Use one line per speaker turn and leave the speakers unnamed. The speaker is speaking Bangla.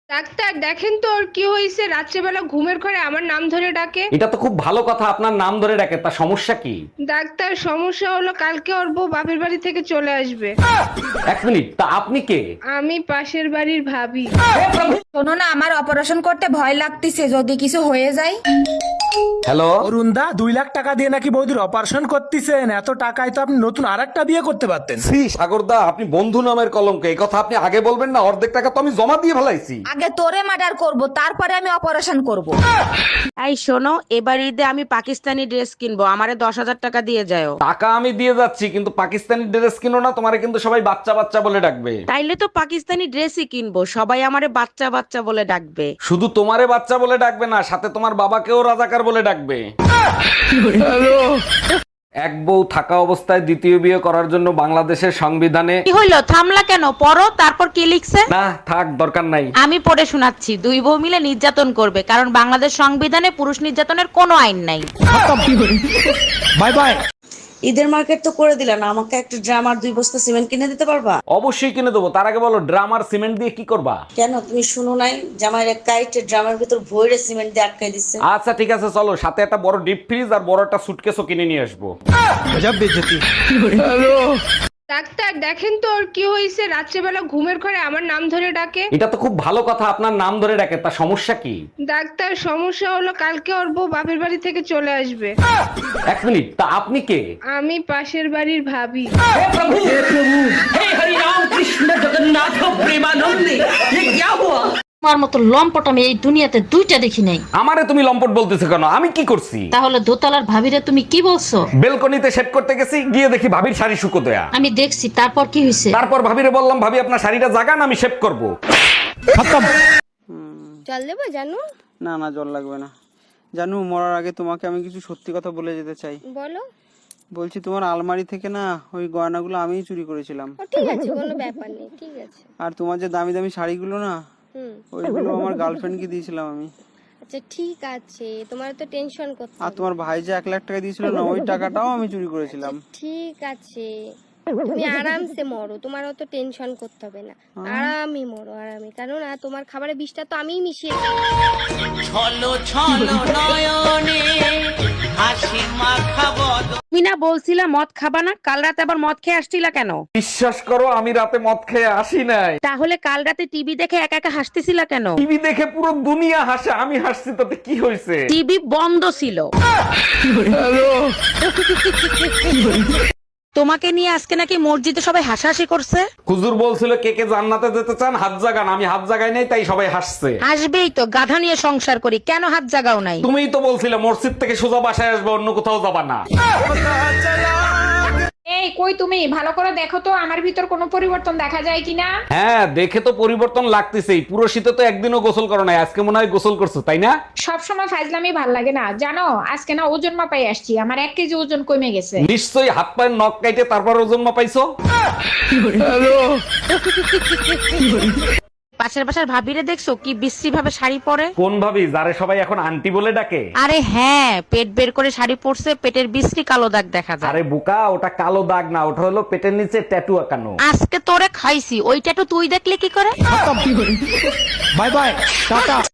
ডাক্তার দেখেন তো ওর কি হয়েছে, রাত্রেবেলা ঘুমের ঘরে আমার নাম ধরে ডাকে।
এটা তো খুব ভালো কথা, আপনার নাম ধরে ডাকে, তা সমস্যা কি?
ডাক্তার সমস্যা হলো কালকে ওর বউ বাপের বাড়ি থেকে চলে আসবে।
এক মিনিট, তা আপনি কে?
আমি পাশের বাড়ির ভাবি।
শোনো না, আমার অপারেশন করতে ভয় লাগতেছে, যদি কিছু হয়ে যায়।
হ্যালো,
অরুণদা 2 লাখ টাকা দিয়ে নাকি বৌদির অপারেশন করতেছেন? এত টাকায় তো আপনি নতুন আরেকটা বিয়ে করতে পারতেন।
শ্রী সাগরদা, আপনি বন্ধু নামের কলঙ্ক, এই কথা আপনি আগে বলবেন না? অর্ধেক টাকা তো আমি জমা দিয়ে ফেলাইছি।
আগে তোরে মার্ডার করব, তারপরে আমি অপারেশন করব।
এই শোনো, এবার ঈদে আমি পাকিস্তানি ড্রেস কিনবো, আমারে 10,000 টাকা দিয়ে যাও।
টাকা আমি দিয়ে যাচ্ছি, কিন্তু পাকিস্তানি ড্রেস কিনো না, তোমারে কিন্তু সবাই বাচ্চা বাচ্চা বলে ডাকবে।
তাইলে তো পাকিস্তানি ড্রেসই কিনবো, সবাই আমারে বাচ্চা বাচ্চা বলে ডাকবে।
শুধু তোমারে বাচ্চা বলে ডাকবে না, সাথে তোমার বাবাকেও রাজাকার বলে ডাকবে। এক বউ থাকা অবস্থায় দ্বিতীয় বিয়ে করার জন্য বাংলাদেশের সংবিধানে
কি হইলো, থামলা কেন? পড়ো, তারপর কি লিখছে?
না থাক, দরকার নাই।
আমি পড়ে শোনাচ্ছি। দুই বউ মিলে নির্যাতন করবে, কারণ বাংলাদেশ সংবিধানে পুরুষ নির্যাতনের কোনো আইন নাই।
Bye bye.
ঈদের মার্কেট তো করে দিলেন, আমাকে একটা ড্রাম আর 2 বস্তা সিমেন্ট কিনে দিতে পারবা?
অবশ্যই কিনে দেবো, তার আগে বলো ড্রাম আর সিমেন্ট দিয়ে কি করবা?
কেন তুমি শুনো নাই, জামাইয়ের এক কাইটে ড্রামের ভিতর ভইরে সিমেন্ট দিয়ে আটকাই দিচ্ছে।
আচ্ছা ঠিক আছে, চলো, সাথে একটা বড় ডিপ ফ্রিজ আর বড় একটা সুটকেসও কিনে নিয়ে আসবো।
গজব বেইজ্জতি।
ডাক্তার দেখেন তো ওর কি হয়েছে, রাত্রেবেলা ঘুমের ঘরে আমার নাম ধরে ডাকে।
এটা তো খুব ভালো কথা, আপনার নাম ধরে ডাকে, তা সমস্যা কি?
ডাক্তার সমস্যা হলো কালকে ওর বউ বাপের বাড়ি থেকে চলে আসবে।
এক মিনিট, তা আপনি কে?
আমি পাশের বাড়ির ভাবি।
তোমার মতো লম্পট আমি এই দুনিয়াতে দুইটা দেখি নাই।
আমারে তুমি লম্পট বলতেছো কেন? আমি কি করছি?
তাহলে দোতলার ভাবিরে তুমি কি বলছো?
বেলকনিতে সেট করতে গেছি, গিয়ে দেখি ভাবির শাড়ি শুকো দেয়া।
আমি দেখছি, তারপর কি হয়েছে?
তারপর ভাবিরে বললাম, ভাবি আপনার শাড়িটা জাগান, আমি শেভ করব।
জল দেবো জানু?
না না, জল লাগবে না। জানু, মরার আগে তোমাকে আমি কিছু সত্যি কথা বলে যেতে চাই।
বলো।
বলছি, তোমার আলমারি থেকে না ওই গয়নাগুলো আমিই চুরি করেছিলাম।
ঠিক আছে, কোনো ব্যাপার নেই, ঠিক আছে।
আর তোমার যে দামি দামি শাড়িগুলো না, ওইগুলো আমার গার্লফ্রেন্ডকে দিয়েছিলাম আমি।
আচ্ছা ঠিক আছে, তোমার তো টেনশন করতে
আর তোমার ভাই যে 1 লাখ টাকা দিয়েছিল না, ওই টাকাটাও আমি চুরি করেছিলাম।
ঠিক আছে, তুমি আরামসে মরো, তোমার অত টেনশন করতে হবে না। আরামে মরো, আরামে, কারণ তোমার খাবারে বিষটা তো আমিই মিশিয়ে
তুমি না বলছিলা মদ খাবা না? কাল রাতে আবার মদ খেয়ে আসছিলা কেন?
বিশ্বাস করো, আমি রাতে মদ খেয়ে আসি নাই।
তাহলে কাল রাতে টিভি দেখে একা একা হাসতেছিলা কেন?
টিভি দেখে পুরো দুনিয়া হাসে, আমি হাসছি, তাতে কি হয়েছে?
টিভি বন্ধ ছিল। তোমাকে নিয়ে আজকে নাকি মসজিদে সবাই হাসাহাসি করছে।
হুজুর বলছিল কে কে জান্নাতে যেতে চান হাত জাগান, আমি হাত জাগাই নাই, তাই সবাই হাসছে।
আসবেই তো, গাধা নিয়ে সংসার করি, কেন হাত জাগাও নাই?
তুমিই তো বলছিলে মসজিদ থেকে সোজা বাসায় আসবে, অন্য কোথাও যাবা না।
এই কই তুমি, ভালো করে দেখো তো আমার ভিতর কোনো পরিবর্তন দেখা যায় কিনা।
হ্যাঁ, দেখে তো পরিবর্তন লাগতেছেই। পুরো শীতে তো একদিনও গোসল করো নাই, আজকে মনে হয় গোসল করছো, তাই না?
সব সময় ফাজলামি ভাল লাগে না, জানো আজকে না ওজন মাপাই আসছি, আমার 1 কেজি ওজন কমে গেছে।
নিশ্চয়ই হাত পায়ের নখ কাইটে তারপর ওজন মাপাইছো।
পাশের বাসার ভাবিরে দেখছো কি বিশ্রী ভাবে শাড়ি পরে?
কোন ভাবি, যারে সবাই এখন আন্টি বলে ডাকে?
আরে হ্যাঁ, পেট বের করে শাড়ি পরছে, পেটের বিশ্রী কালো দাগ দেখা যায়।
আরে বোকা, ওটা কালো দাগ না, ওটা হলো পেটের নিচে ট্যাটু আঁকানো।
আজকে তোরে খাইছি, ওইটা তো তুই দেখলে কি করে?
Bye bye, tata.